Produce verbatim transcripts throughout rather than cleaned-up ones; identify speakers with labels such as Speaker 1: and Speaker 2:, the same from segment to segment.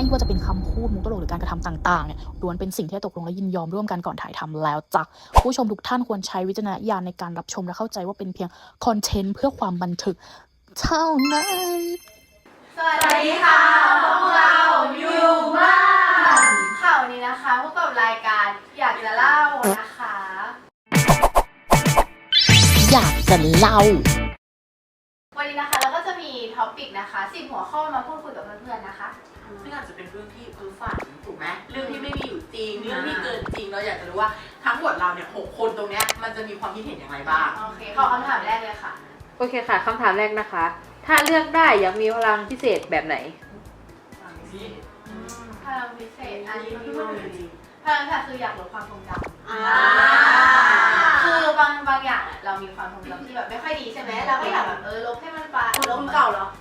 Speaker 1: ไม่ว่าจะเป็นคำพูดมุกตลกหรือการกระทำต่างๆเนี่ยล้วนเป็นสิ่งที่ตกลงและยินยอมร่วมกันก่อนถ่ายทำแล้วจ้ะผู้ชมทุกท่านควรใช้วิจารณญาณในการรับชมและเข้าใจว่าเป็นเพียงคอนเทนต์เพื่อความบันเทิงเท่านั้น
Speaker 2: สวัสดีค่ะพวกเราอยู่บ้านค่ะวันนี้นะคะพบกับรายการอยากจะเล่านะคะ
Speaker 1: อยากจะเล่า
Speaker 2: วันนี้นะคะเราก็จะมีท็อปิกนะคะสิบหัวข้อมาพูดคุยกับเพื่อนๆนะคะ
Speaker 3: ซึ่งอาจจะเป็นเรื่องที่คือฝันถูกไหมเรื่องที่ไม่มีอยู่จริงเรื่องที่เกินจริงเราอยากจะรู้ว่าทั้งหมดเราเนี่ยหกคนตรงเนี้ยมันจะมีความคิดเห็นอย่างไรบ้าง
Speaker 2: โอเคขอคำถามแรกเลยค่ะ
Speaker 4: โอเคค่ะคำถามแรกนะคะถ้าเลือกได้อยากมีพลังพิเศษแบบไหน
Speaker 2: พลังพิเศษอันนี้ที่ว่าพลังพิเศษคืออยากลดความทรงจำคือบางบางอย่างเรามีความทรงจำที่แบบไม่ค่อยดีใช่ไหมเราก็อยากแบบเออลบให้มันไป
Speaker 3: ลบเก่าเหรอ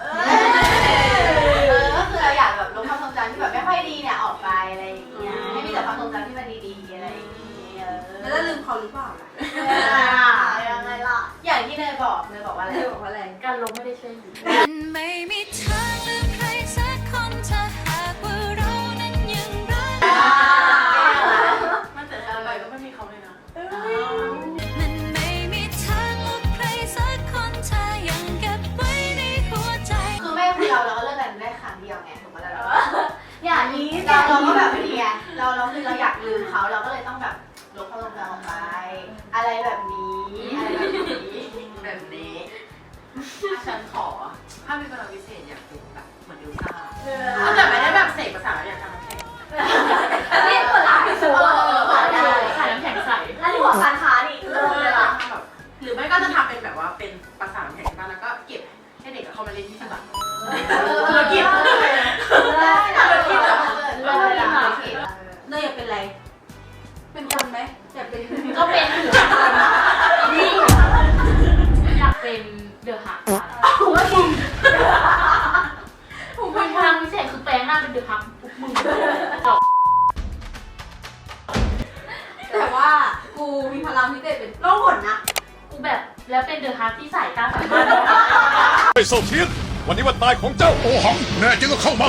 Speaker 2: เออก็คือเราอยากแบบลบความทรงจำที่แบบไม่ค่อยดีเนี่ยออกไปอะไรอย่างเงี้ยให้มีแต่ความทรงจำที่มันดีๆอะไรอย่างเงี้ย
Speaker 3: แล้วจะลืมเขาหรือเปล่าล่ะ
Speaker 2: ยังไงล่ะอย่างที่เนยบอกเนยบอกว่าอะไร
Speaker 3: เนยบอกว่าอะไร
Speaker 2: การลบไม่ได้ช่วย
Speaker 5: มันไม่มีทางลืมใครสักคนถ้าหากว่าเรานั้นยังรัก
Speaker 3: มันแต่อะไรก็ไม่มีเขาเลยนะ
Speaker 5: มันไม่มีทางลบใครสักคนถ้ายังเก็บไว้ในหัวใจ
Speaker 2: คือไม่คือเราเราก็เลิกกันได้ครั้งเดียวไงถูกไหมล่ะอย่างนี้เราเราก็แบบนี้ไงเราเราคือเราอยากลืมเขาเราก็เลยต้องแบบลบความทรงจำออกไปอะไรแบบนี้อะไรแบบนี้
Speaker 3: แบบนี้ฉันขอถ้ามีพลังพิเศษอยากเป็นแบบเหมือนเอลซ่าแต่ไม่ได้แบบเสกภาษาอยากทำน้ำแข็ง
Speaker 2: นี่เปิดร้านพิสูจน์
Speaker 3: ขายน้ำแข็งใส
Speaker 2: แล้วที่หัวการค้านี่เริ่มเลยล่ะ
Speaker 3: หรือไม่ก็จะทำเป็นแบบว่าเป็นภาษาน้ำแข็งบ้างแล้วก็เก็บให้เด็กเข้ามาเล่นที่ตลาดธุรกิจธุรกิจแบบ
Speaker 2: เริ่มเลยล่ะ
Speaker 3: เนยอยากเป็นอะไรเป็นคนไหมอยากเป็น
Speaker 2: ก็เป็น
Speaker 3: นี่
Speaker 2: อยากเป็นเดอะฮัก
Speaker 3: ผมว่ามึง
Speaker 2: ผมเป็นพลังพิเศษคือแปลงหน้าเป็นเดอะฮักมึง
Speaker 3: แต่ว่ากูมีพลังพิเศษเป็นโล่หนนะ
Speaker 2: กูแบบแล้วเป็นเดอะฮักที่สายตาสามารถ
Speaker 6: ไอ้โซเทียนวันนี้วันตายของเจ้าโอหังแน่จริงก็เข้ามา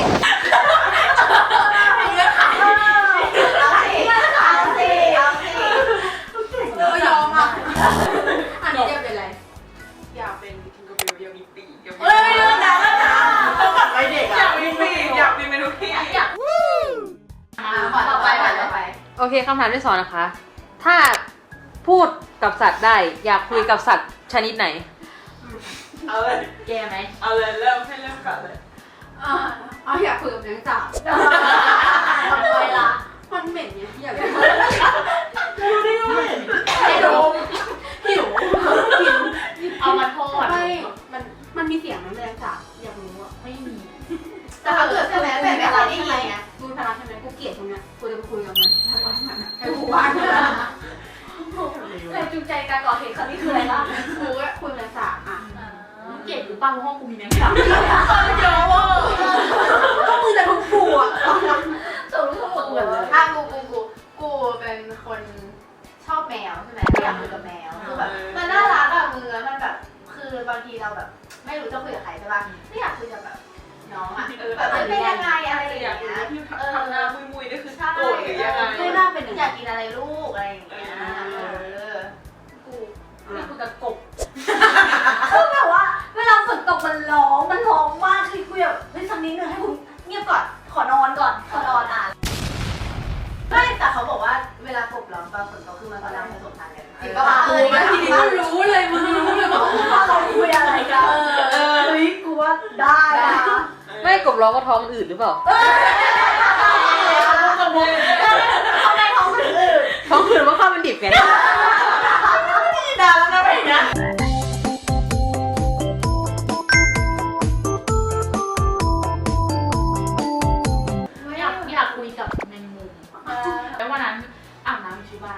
Speaker 3: ยอมอ่ะอันนี้จะเป็นอะไรอยากเป็นทิงเกอร์เบลอยากมีปีกอยากมีไม่รู้นะต้องแบบไว้เด็กอ่ะอยากมีปีกอยากมีเมนูที่อยาก
Speaker 2: ต่อไปต่อไป
Speaker 4: โอเคคำถามที่สองนะคะถ้าพูดกับสัตว์ได้อยากคุยกับสัตว์ชนิดไหน
Speaker 3: เอาเลย
Speaker 2: แกไหม
Speaker 3: เอาเลยเริ่มให้เริ่มก่อนเลยเอาอยากคุยกับแมงสาบ
Speaker 2: ทำไมล่ะ
Speaker 3: มันเหม็นไงอยาก
Speaker 2: ดูดิว่าเหม็นไอ้ดมหิวหิวเอามาทอด
Speaker 3: ไม่มันมันมีเสียงแมงสาบอยากรู้อ่ะ
Speaker 2: ไม่มีแต่ถ้าเกิดใช่ไหมแบบไม่เคยได้ยินไง
Speaker 3: กูพลังใช่ไหมกูเกลียดตรงเนี้ยกูจะไปคุยกับมันทั้งวันทั้งวันให้กูว่าง
Speaker 2: แรงจูงใจการก่อเหตุครั้งนี้คืออะไรล่ะ
Speaker 3: กูก็คุยแมงสาบอ่ะ
Speaker 2: เกลียดหรือปังห้องกูมีแมงสาบ
Speaker 3: เยอะว่ะก็มึงจะทุกกูอ่ะ
Speaker 2: สรุปทั้งหมดเลยถ้ากูกูกูกูเป็นคนชอบแมวใช่ไหมอยากคุยกับแมวคือแบบมันน่ารักอะมือมันแบบคือบางทีเราแบบไม่รู้จะคุยกับใครใช่ป่ะไม่อยากคุยกับแบบน้องอะแบบมันเป็นยังไงอะไรอย่างเงี้ย
Speaker 3: เออทำหน้ามุยๆนี่คือโกรธหรือยังไง
Speaker 2: ไม่น่าเป็นอยากกินอะไรลูกอะไรอย่างเงี้ยเออกูไม่คุยกับกบคือแบบว่าเวลาฝนตกมันร้องมันร้องมากคือคุยแบบเฮ้ยสักนิดนึงให้คุณเงียบก่อนขอนอนก่อนขอนอนอ่ะไม่แต่เขาบอกว่าเวลากบร้องตอนฝนตกคือมันกำลังผสมพันธุ์กันจริงป่ะ
Speaker 3: เออทีนี้มันรู้เลยมึงรู้เลยว่า
Speaker 2: เราคุยอะไรกันเออเฮ้ยกูว่าได้นะ
Speaker 4: ไม่กบร้องก็ท้องอืดหรือเปล่า
Speaker 2: ทำไมท้องอืด
Speaker 4: ท้องอืดว่าข้าวมันดิบไง
Speaker 3: ด่าแล้วนะพี่นะ
Speaker 2: อยากอยากคุยกับแมงมุมแล้ววันนั้นอาบน้ำอยู่ที่บ้าน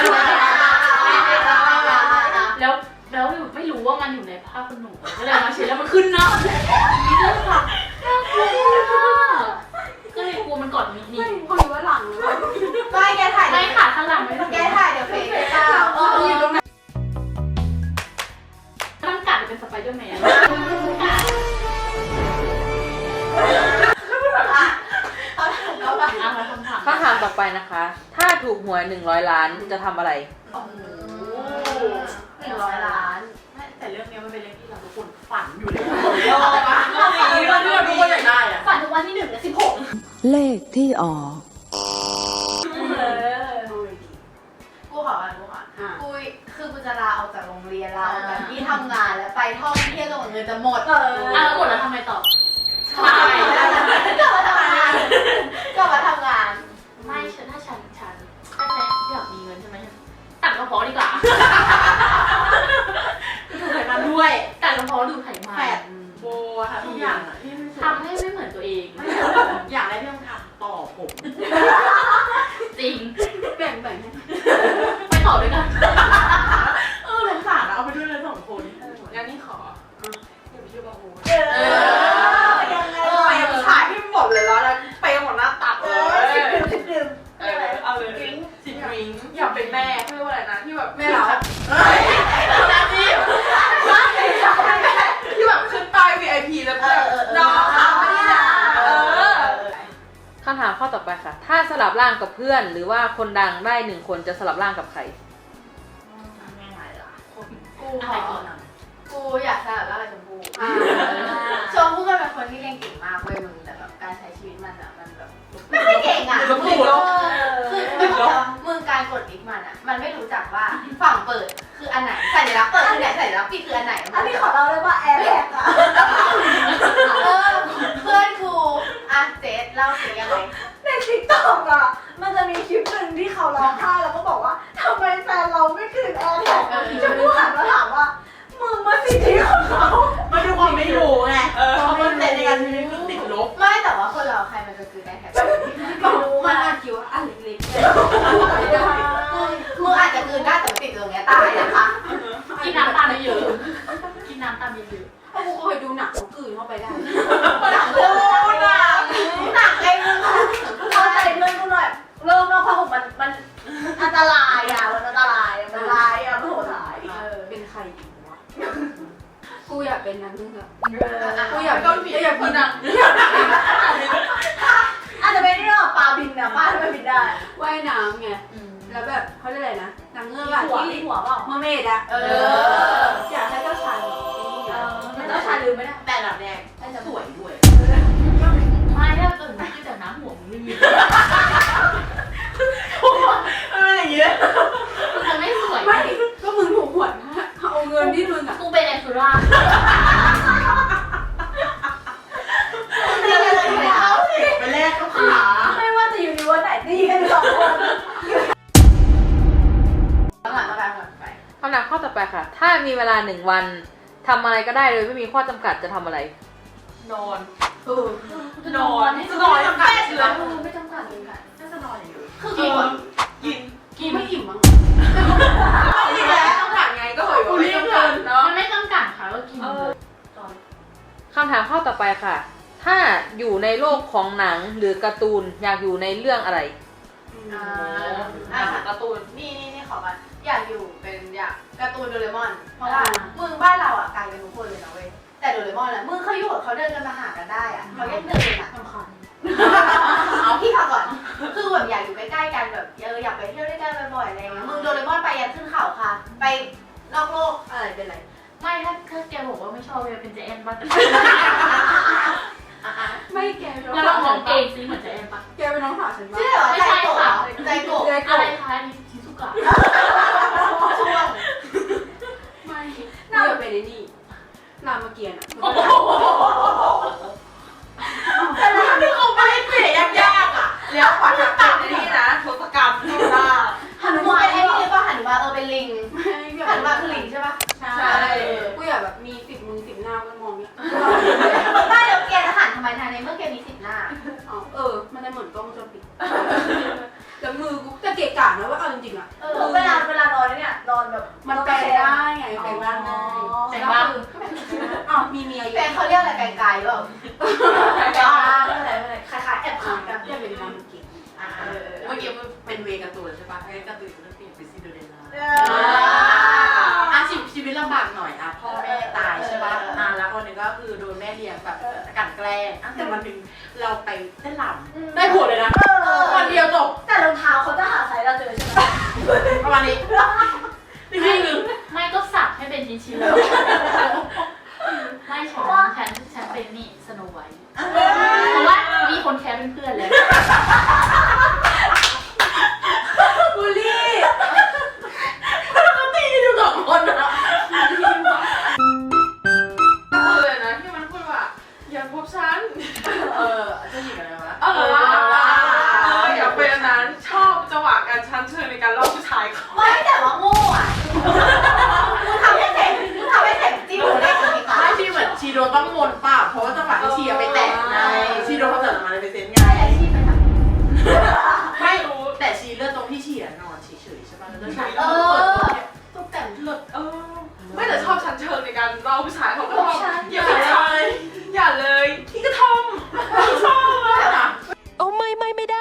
Speaker 2: แล้วแล้วไม่รู้ว่ามันอยู่ในผ้าขนหนูก็เลยมาเช็ดแล้วมันขึ้นหน้านี่เลยค่ะน่ากลัวก็เลยกลัวมันกอดมิดนี่
Speaker 3: คนรู้ว่าหลังเลย
Speaker 2: ไม่แกถ่ายไม่ขาข้างหลังไม่แกถ่ายเดี๋ยวเฟซไปเปล่าอยู่ตรงนั้น
Speaker 4: ไปนะคะ ถ้าถูกหวยหนึ่งร้อยล้านจะทำอะไร
Speaker 3: โอ้โห
Speaker 2: หนึ่งร้อยล้าน
Speaker 3: แต่เรื่องนี้มันเป็นเรื่องที่เราทุกคนฝันอยู่เลยยอมอ่ะฝันที่เราทุกคนอยากได้อ่ะ
Speaker 2: ฝันถึงวันที่หนึ่งและสิบหก
Speaker 7: เลขที่ออก
Speaker 2: เออกูขออ่ะกูขอกูคือกูจะลาออกจากโรงเรียนลาออกจากที่ทำงานแล้วไปท่องเที่ยวจนกว่าเงินจะหมดเออ
Speaker 1: อ่ะแล้วหมดแล้วทำไงต่อ
Speaker 2: ใช่กลับมาทำงานกลับมาทำงาน
Speaker 1: ไม่ฉันถ้าฉันฉันแค่อยากมีเงินใช่ไหมตัดกระเพาะดีกว่า
Speaker 2: ดูไขมันด้วย
Speaker 1: ตัดกระเพาะดูไขมั
Speaker 2: แป
Speaker 1: น
Speaker 2: ด
Speaker 3: โบค่ะทุกอย่างอ่ะที่ไม่
Speaker 1: ทำให้ไม่เหมือนตัวเอง
Speaker 3: อย่างแรกที่ต้องทำต่อผม
Speaker 1: จริง
Speaker 2: แบ่งแบ่งให้
Speaker 1: ไปต่อด้วยกัน
Speaker 3: เออสงสารอะเอาไปด้วยเลยสองคนงั้นนี่ขอเดี๋ยวไปช่วยบาโฮ
Speaker 2: เออยังไง
Speaker 3: ไปฉายให้หมดเลยแล้วแล้วไปหมดหน้าตัก
Speaker 2: เอ
Speaker 3: เล
Speaker 2: อย สิบดื่มสิบดื่ม
Speaker 3: เออเอาเลยสิบวิงอยากเป็นแม่เขาเรียกว่าอะไรนะที่แบบ
Speaker 2: ไม่เหรอ
Speaker 3: เฮ้ยหน้าที่ที่แบบขึ้นป้าย วี ไอ พี แล้วแบบน้องเขาไม่ได้เออ
Speaker 4: คำถามข้อต่อไปค่ะ ถ้าสลับร่างกับเพื่อน หรือว่าคนดังได้หนึ่งคนจะสลับร่างกับใคร
Speaker 2: กูขอกูอยากสลับร่างกับชมพู่ชมพู่มันเป็นคนที่เรียนเก่งมากเว้ยมึงแต่แบบการใช้ชีวิตมันอะมันแบบไม่ค่อยเก่งอะ
Speaker 3: ลุกลี้ลุก
Speaker 2: คือมึงการกดลิฟต์มันอะมันไม่รู้จักว่าฝั่งเปิดคืออันไหนสัญลักษณ์เปิดคือไหนสัญลักษณ์ปิดคืออันไหนอันนี้ขอเล่าเลยว่าแอร์แท็กอะเออเพื่อนกูอ่ะเจสเล่าสิยังไง
Speaker 8: ในทิกตอกอ่ะ มันจะมีคลิปหนึ่งที่เขาร้องไห้แล้วก็บอกว่าทำไมแฟนเราไม่คืนแอร์แท็กชมพู่หันมาถามว่ามึงมาสิทธิของเขา
Speaker 3: มันดูความไม่รู้ไงเออเขาเป็นในการชีวิตคือติดลบ
Speaker 2: ไม่แต่ว่าคนเราใครมันจะคือได้แท็กรู้มันอาจคิดว่าอันเล็กๆมึงอาจจะคืนได้แต่ติดตรงเนี้ยตายนะคะ
Speaker 1: กินน้ำตาลเยอะกินน้ำตาลเยอะ
Speaker 8: ถ้ากูเคยดูหนังเขากลืนเข้าไปได้
Speaker 2: หนักเลยหนักหนักไอ้มึงเข้าใจเพื่อนกูหน่อยเริ่มนอกผ้าห่มมันมันอันตรายอ่ะมันอันตรายอ่ะมันร้ายอ่ะมันโหดร้าย
Speaker 8: เป็นใครดีวะ กูอยากเป็นนางเงือก
Speaker 2: กูอยาก
Speaker 3: ต้นผีอยากคนดัง
Speaker 2: อาจจะไม่ได้เรื่องปลาบินนะปลาทำไมบินได้
Speaker 8: ว่ายน้ำไง แล้วแบบเขาเรียกอะไรนะนางเงือกอะ
Speaker 2: หัว
Speaker 8: ที่
Speaker 2: หัวเปล่า
Speaker 8: เมอร์เมดอะ
Speaker 2: เออ
Speaker 8: อยากให้เจ้าชายแบบนี้อะ
Speaker 2: มันต้องชาลืมไม่ได้
Speaker 3: แต่แบบแรกสวยด้วย
Speaker 1: ไม่ถ้าตื่นมาขึ้นจากน้ำหัวมึงไม่มี
Speaker 3: เอออย่างเงี้ย
Speaker 1: มึงจะไม่สวย
Speaker 8: ไม่ก็มึงถูกหวยนะเอาเงินที่มึงอะ
Speaker 1: กูเป็นเอสุรา
Speaker 2: เรียนอะไรแล้วสิ
Speaker 3: ไปแรกก็ขา
Speaker 8: ไม่ว่าจะอยู่ในวันไหนดีกันสองคน
Speaker 2: ต้องหันมาการก่อนไป
Speaker 4: คำถามข้อต่อไปค่ะ ถ้ามีเวลาหนึ่งวันทำอะไรก็ได้โดยไม่มีข้อจำกัดจะทำอะไร
Speaker 3: นอน
Speaker 2: เออ
Speaker 3: จะนอนจะนอนจำกัดเชื้อ
Speaker 2: ไม่จำกัดเลยค่ะ
Speaker 3: น่าจะนอนอย่างเดียว
Speaker 2: คือกิน
Speaker 3: กิน
Speaker 8: กินไม่อิ่มมั้ง
Speaker 3: กินแล้วต้องผ่านไงก็เหยว่าไม่ต้องการเนาะ
Speaker 1: มันไม่จำกัดค่ะก็กินเลย
Speaker 4: คำถามข้อต่อไปค่ะ ถ้าอยู่ในโลกของหนังหรือการ์ตูนอยากอยู่ในเรื่องอะไร
Speaker 2: อ่า
Speaker 3: อ่า
Speaker 2: อ่า
Speaker 3: การ์ตูน
Speaker 2: นี่นี่นี่ขอมาอยากอยู่เป็นอยากการ์ตูนโดเรมอน เพราะว่ามึงบ้านเราอ่ะไกลกันทุกคนเลยนะเว้ย แต่โดเรมอนอ่ะมึงเขาอยู่กับเขาเดินกันมาหากันได้อ่ะเขายังเดินอ่ะ
Speaker 1: สำคัญ
Speaker 2: เอาพี่ฟังก่อน คือแบบอยากอยู่ใกล้ๆกันแบบเอออยากไปเที่ยวด้วยกันบ่อยๆอะไรอย่างเงี้ย มึงโดเรมอนไปยันขึ้นเขาค่ะ ไปนอกโลกอะไรเป็นไร
Speaker 1: ไม่ถ้าถ้าแกบอกว่าไม่ชอบเวลเป็นเจแอนบ้าง
Speaker 8: ไม่แกเป็นน้อง
Speaker 1: งั้น
Speaker 8: สา
Speaker 1: เรา
Speaker 8: ว
Speaker 1: ล
Speaker 8: ฉั
Speaker 1: อง
Speaker 8: น
Speaker 1: เอ
Speaker 8: ปะ
Speaker 1: งซิเหมือนเจแอนปะ
Speaker 8: แกเป็นน้องสาวฉันปะ
Speaker 2: ชื่อเหรอใจโกะใจโกะ
Speaker 1: อะไรคะนี่ชิซุกะ
Speaker 2: ช่วง
Speaker 8: ไม่น่าจะเป็นไอ้นี่รามเกียรติ์อะ
Speaker 3: แต่ถ้าที่เขาไม่ให้เปลี่ยนยากๆอ่ะแล้วขวัญจะเป็นนี่นะทศกัณฐ์ที่หน้า
Speaker 2: หันุมานไอ้นี่ป่ะหันุมานเออเป็นลิง
Speaker 8: ไม่อยาก
Speaker 2: หันุมานคือลิงใช่ป่ะ
Speaker 8: ใช่กูอยากแบบมีสิบมือสิบหน้าก็มองเนี่ย
Speaker 2: ไม่แล้วแกจะหันทำไมทางในเมื่อแกมีสิบหน้า
Speaker 8: อ๋อเออ มันจะเหมือนกล้องวงจรปิดแล้วมือกูจะเกะกะนะว่าเอาจริงๆอะ
Speaker 2: เออเวลาเวลานอนเนี่ยนอนแบบ
Speaker 8: มันแปลได้ไงแปลร่างได้
Speaker 1: แต่บ้าง
Speaker 8: อ้าวมีเมียอยู่
Speaker 2: แฟนเขาเรียกอะไรไกลๆหรือเปล่าไกลๆไม่เป็นไรไม่เป็นไรคล้ายๆแอบขังกัน
Speaker 8: อยากเป็นรามเกียรติ์
Speaker 2: อ่าเออ
Speaker 3: เมื่อกี้มันเป็นเวการ์ตูนใช่ปะไอ้การ์ตูนมันเปลี่ยนเป็นซินเดอเรลล่า
Speaker 2: เอ
Speaker 3: อ่ะชีวิตชีวิตลำบากหน่อยอ่ะพ่อแม่ตายใช่ปะอ่ะแล้วคนนึงก็คือโดนแม่เลี้ยงแบบกลั่นแกล้งแต่วันหนึ่งเราไปเต้นรำได้ผลเลยนะ
Speaker 8: เออ
Speaker 3: วันเดียวจบ
Speaker 8: แต่รองเท้าเขาจะหาไซส์เราเจอใช่ไหม
Speaker 3: ประมาณนี้นี่คือ
Speaker 2: ไม่ก็สับให้เป็นชิ้นๆเลยไม่ฉันฉันฉันเป็นนี่สโนไวท์เพราะว่ามีคนแคร์เป็นเพื่อนเลย
Speaker 3: บูลลี่ก็ตีอยู่สองคนนะเลยนะที่มันพูดว่าอย่าพบฉันเออจะหยิบอะไรวะเออเอออย่าเป็นอันนั้นชอบจังหวะการชั้นเชิญในการล่อผู้ชายเขา
Speaker 8: ไม่แต่ว่าโง่อ่ะมึงทำให้เสร็จมึงทำให้เสร็จจริงหรือได้จริงคะ
Speaker 3: ไม่ที่เหมือนชีโดต้องมนป่ะเพราะว่าจังหวะที่ชีไปแตะไงชีโดเขาจัดมาในเปอร์เซ็นต์ไง
Speaker 8: ใช่อาชีพเป็นแบบ
Speaker 3: ไม่รู้แต่ชีเลือกตรงที่ชีนอนเฉยๆใช่ป่ะแล้วก็ชี
Speaker 8: เอ
Speaker 3: เปิด
Speaker 8: อ
Speaker 3: ตัวเนี่ย
Speaker 8: ตุ๊กแต่ง
Speaker 3: เลิศเออไม่แต่ชอบชั้นเชิงในการเล่าผู้ชายเขาก็ชอบอย่าเลยอย่าเลยที่กระทอมชอบอะ
Speaker 9: โอ้ไม่ไม่ไม่ได้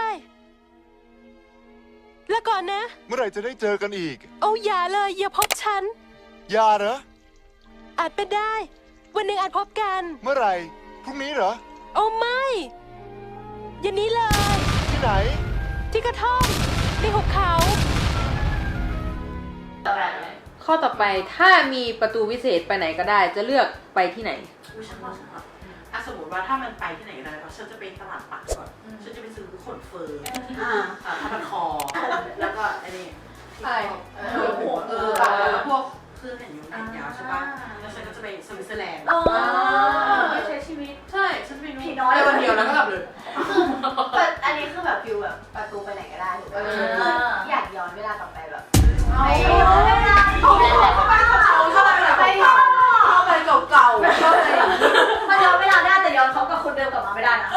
Speaker 9: แล้วก่อนนะ
Speaker 6: เมื่อไหร่จะได้เจอกันอีก
Speaker 9: โอ้อย่าเลยอย่าพบฉัน
Speaker 6: อย่าเหรอ
Speaker 9: อาจเป็นได้ วันหนึ่งอาจพบกัน
Speaker 6: เมื่อไหร่ พรุ่งนี้เหรอ
Speaker 9: โอ้ไม่อย่างนี้เลย
Speaker 6: ที่ไหน
Speaker 9: ที่กระท่อมในหุบเขา
Speaker 4: ข้อต่อไปถ้ามีประตูวิเศษไปไหนก็ได้ จะเลือกไปที่ไหน
Speaker 3: อุ๊ยฉันว่าฉันว่าอ่ะสมมติว่าถ้ามันไปที่ไหนก็ได้แล้วฉันจะไปตลาดปักก่อนฉันจะไปซื้อขนเฟิร์นอ่าผ้าพันคอแล้วก็ไอ้นี่ที่เออหัวเออแล้วพวกเครื่องแต่งยงแต่งยาวใช่ป่ะแล้วฉันก็จะไปสวิตเซอร์แลนด์
Speaker 8: เออใช้ชีวิต
Speaker 3: ใช่ฉันไปนู่น
Speaker 8: ผีน้อย
Speaker 3: ในวันเดียวแล้วก็กลับเลย
Speaker 8: คืออันนี้คือแบบฟิลแบบประตูไปไหนก็ได้ถูกป่ะอยากย้อนเวลากลับไปแบบไม่ย้อนเวลาเขาไปเขาไปเขาเขาไปแบบไป
Speaker 3: เข้าไปเก่าๆเข้าไป
Speaker 8: มันย้อนเวลาได้แต่ย้อนเขากับคนเดิมกลับมาไม่ได้นะ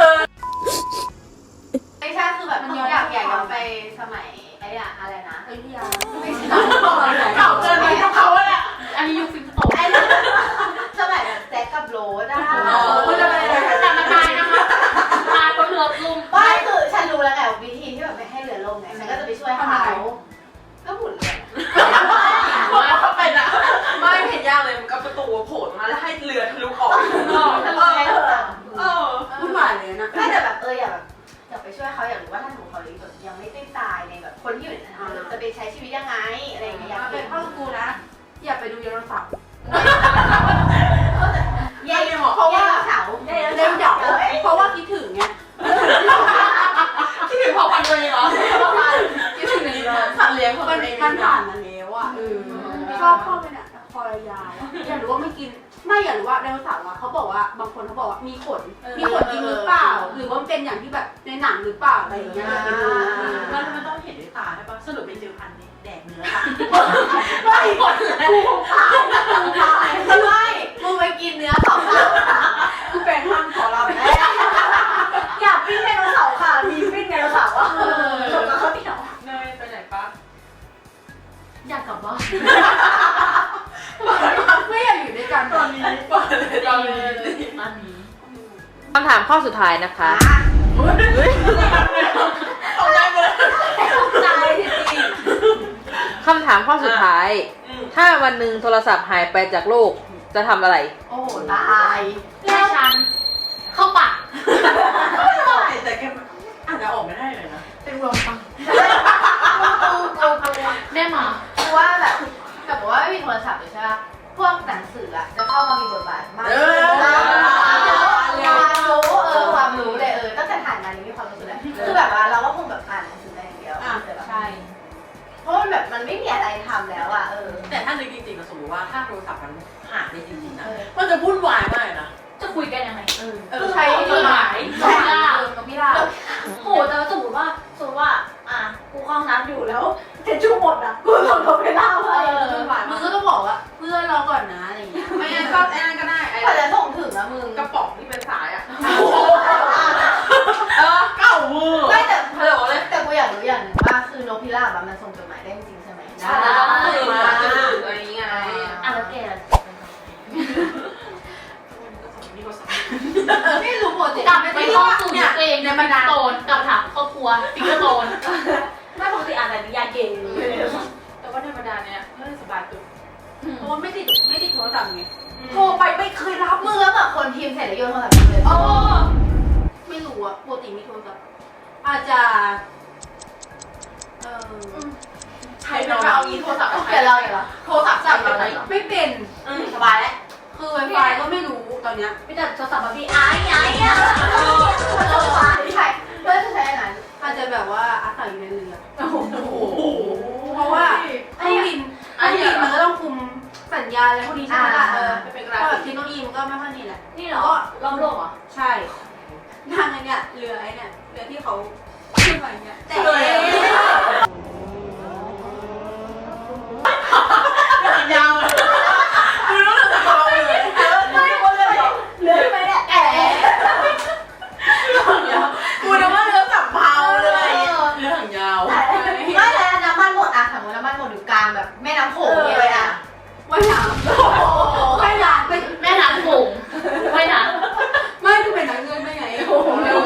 Speaker 8: ไม่ใช่คือแบบอยากอยากย้อนไปสมัยไอ้อะอะไรนะอยุธยาไม่ใช่
Speaker 3: เก่าเกินไปกับเขาอะ
Speaker 2: อันนี้ยุคฟิล์มโต
Speaker 8: ไอ้สมัยแบบแจ็คกับโรสอะ
Speaker 3: คุณจะไปไหน
Speaker 2: แต่มันตายนะคะตายก็เรือลุ่ม
Speaker 8: ไม่คือฉันรู้แล้วไงวิธีที่แบบไม่ให้เรือล่มไงฉันก็จะไปช่วยเขาก็หมุนเรือ
Speaker 3: ว่าเขาเป็นอะไม่เห็นยากเลยมันกับประตูโผล่มาแล้วให้เรือทะลุออก
Speaker 8: ทะลุไงเถอะ
Speaker 3: เออวุ่นวายเลยนะ
Speaker 8: ไม่แต่แบบเอออยากแบบอยากไปช่วยเขาอยากรู้ว่าถ้าสมมติเขายังไม่ได้ตายในแบบคนที่อยู่ในนั้นจะไปใช้ชีวิตยังไงอะไรอย่างเงี้ยอยาก
Speaker 3: เป็
Speaker 8: เป็น น
Speaker 3: พ่อกูนะ อย่าไปดูไดโนเสาร์
Speaker 8: เย่เพราะว่าเสา
Speaker 3: เล่นหยอกเพราะว่าคิดถึงไงคิดถึงพอพันตัวเองเหรอคิดถึงสัตว์เลี้ยงของตัวเองมันผ่านมาแล้วอ่ะชอบเข้าไปเนี่ยคอยาวอยากรู้ว่าไม่กินไม่อยากรู้ว่าไดโนเสาร์อ่ะเขาบอกว่าบางคนเขาบอกว่ามีขนมีขนจริงหรือเปล่าหรือว่าเป็นอย่างที่แบบในหนังหรือเปล่าอะไรอย่างเงี้ยไปดูมันมันต้องเห็นด้วยตาใช่ปะสรุปเป็นเจอพันธุ์แดกเนื้อค่ะไม่หมดเลยกูตายกูตายไม่มึงไปกินเนื้อเขาค่ะกูเป็นห้ามขอเราแม่
Speaker 8: อยากปิ้งไดโนเสาร์ค่ะมีปิ้งไดโนเสาร์อ่ะจบกับข้าวเหนียว
Speaker 3: เนยไปไหนปะ
Speaker 2: อยากกลับบ้าน
Speaker 3: ไม่อยากอยู่ด้วยกันตอนนี้เปิดเลยตอนนี้
Speaker 2: อันนี้
Speaker 4: คำถามข้อสุดท้ายนะคะ
Speaker 3: เอาได้หมด
Speaker 8: ตายจริง
Speaker 4: คำถามข้อสุดท้าย ถ้าวันหนึ่งโทรศัพท์หายไปจากโลกจะทำอะไร
Speaker 3: โอ้โห
Speaker 8: ตาย
Speaker 2: แล้วฉันเข้าปาก
Speaker 3: แต่แกอาจจะออกไม่ได้เลยนะ
Speaker 2: เป็นรวมปัง
Speaker 8: กูกูกู
Speaker 2: แม่มา
Speaker 8: กูว่าแบบแต่บอกว่าไม่มีโทรศัพท์เลยใช่ป่ะพวกหนังสืออะจะเข้ามามีบทบาทมากความรู้เออความรู้เลยเออตั้งแต่ถ่ายมานี้มีความรู้สึกเลยคือแบบว่าเราก็คงแบบอ่านหนังสือได้อย่างเดียวแต่แบบเพราะมันแบบมันไม่มีอะไรทำแล้วอะเออ
Speaker 3: แต่ถ้านึกจริงๆนะสมมติว่าถ้าโทรศัพท์มันหายไปจริงๆนะมันจะวุ่นวายมากนะ
Speaker 2: จะคุยกันยังไง
Speaker 3: เออ
Speaker 2: ใช้จดหมาย
Speaker 8: ใช่
Speaker 2: ใช่
Speaker 8: กับพี่ลาโหแต่สมมติว่าสมมติว่าอ่ะกูเข้าห้องน้ำอยู่แล้วเช็ดชู่หมดอะกูส่งโทรไปเล่าให้
Speaker 3: มึงก็ต้องบอกว่าเพื่อนรอก่อนนะอะไรอย่างเงี้ยไม่งั้นก็ไอ้นั่นก็ได้ไอ้
Speaker 8: กว่าจะส่งถึงนะมึง
Speaker 3: กระป๋องที่เป็นสายอ่ะเออเก่ามือ
Speaker 8: ไม่แต่
Speaker 3: ฮัลโหลเลย
Speaker 8: แต่กูอยากรู้อย่างหนึ่งว่าคือนกพิราบอะมันส่งจดหมายได้จริงใช่ไหม
Speaker 3: ใช่มาจะถึงอะไรนี้ไง
Speaker 2: อ่ะแล้วแก
Speaker 3: ไม่รู้โปรเจกต์
Speaker 2: กลับไปห้องสูตรตัวเองในบรรดาโตนกลับถามครอบครัวปิกเกอร์โตน
Speaker 8: ไม่ปกติอ่านแต่นิยายเก่ง
Speaker 3: แต่ว่าธรรมดาเนี่ยเรื่องสบายตัวเพราะว่าไม่ติดไม่ติดโทรศัพท์ไงโทรไปไม่เคยรับ
Speaker 8: มึงแล้วแบบคนพิมพ์เสร็จแล้วโยนโทรศัพท์ทิ้งเลย
Speaker 3: โอ้อาจจะเออ
Speaker 2: ใครเป็นเอาอีโทรศัพท์
Speaker 8: เปลี่ยนเราอย่างไร
Speaker 2: โทรศัพท์สั่นอะไร
Speaker 3: ไม่เป็น
Speaker 2: อืมสบายแล้ว
Speaker 3: คือ ไวไฟ ก็ไม่รู้ตอนเนี้ย
Speaker 2: พี่แต่โทรศัพท์มาพี่ไอ้ไอ้อะโทรศัพท์พี่ใครเพื่อนจะใช้อันไหน
Speaker 3: อาจจะแบบว่าอาศัยอยู่ในเรือ
Speaker 2: โอ้โห
Speaker 3: เพราะว่าเครื่องบินเครื่องบินมันก็ต้องคุมสัญญาณอะไรพวกนี้ใช่ไหมล่ะเออ
Speaker 2: เป็นก
Speaker 3: ก็
Speaker 2: รา
Speaker 3: แบบ
Speaker 2: ฟิ
Speaker 3: เท
Speaker 2: ก
Speaker 3: คโนโลยีมันก็ไม่ค่อยนี่แหละ
Speaker 2: นี่เหรอล้อมโลกเหรอ
Speaker 3: ใช่นั่งไอ้เนี่ยเรือไอ้เนี่ยเรือที่เขาขึ้นมาอย่างเงี้ยแต่
Speaker 2: ยาวเลยคุณรู้สึกเบาเลยไม่หมดเลยเหลือไปเนี่ยแอะกูนึกว่าเรือสับเผาเลยเรือหางยาวไม่แล้วน้ำมันหมดอะสมมติน้ำมันหมดอยู่กลางแบบแม่น้ำโขงเลยอะ
Speaker 3: ว่ายน้ำว่ายน้ำไม่
Speaker 2: แม่น้ำโขงไม่น้ำ
Speaker 3: ไม่คือเป็นนักเงินได้ไงโอ้โห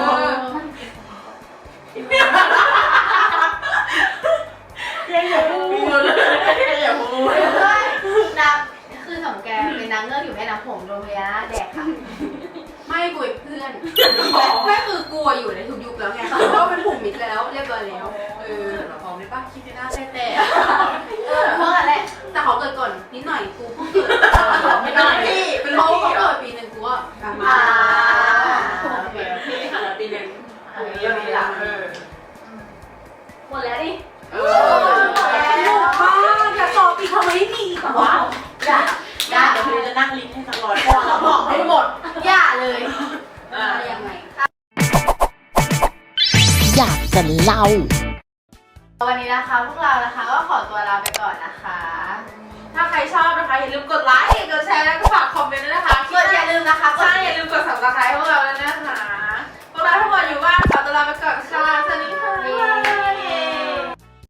Speaker 2: ยังอย่าพูดเลยอย่าพูดน้ำคือสมแกเป็นนางเงือกอยู่แม่น้ำโขงโดนพญานาคแดกค่ะ
Speaker 3: ไม่กูอีกเพื่อนไม่คือกลัวอยู่ในทุกยุคแล้วไงเพราะว่าเป็นผูกมิตรแล้วเรียบร้อยแล้วเออ
Speaker 2: พร้อมได้ปะคิดในหน้าแท้แต่เมื่อไหร่
Speaker 3: แต่เขาเกิดก่อนนิดหน่อยกูเพิ่งเกิด
Speaker 2: ไม่ได้พี่เป็น
Speaker 3: เขา
Speaker 2: พี่
Speaker 3: เขา
Speaker 2: เหรอ
Speaker 3: เกิดปีหนึ่งกูก็กลับมา
Speaker 2: อ่าโอเคพี่ค่ะปีหนึ่งเยอะดีละหมดแล้วดิเออ
Speaker 3: ลูกบ้าอย่าตอบอีกทำไมมีอีกวะ
Speaker 2: อย่าอย่าเดี๋ยวพี่จะนั่งลิ้นให้ตลอดพอแล้วบอกให้หมดอย่าเลย
Speaker 3: อะไรยังไง
Speaker 1: อยากจะเล่า
Speaker 2: วันนี้นะคะพวกเรานะคะก็ขอตัวลาไปก่อนนะคะ ถ้าใครชอบนะคะอย่าลืมกดไลค์กดแชร์แล้วก็ฝากคอมเมนต์ด้วยนะคะกดอย่าลืมนะคะใช่อย่าลืมกด ซับสไครบ์ พวกเราด้วยนะคะ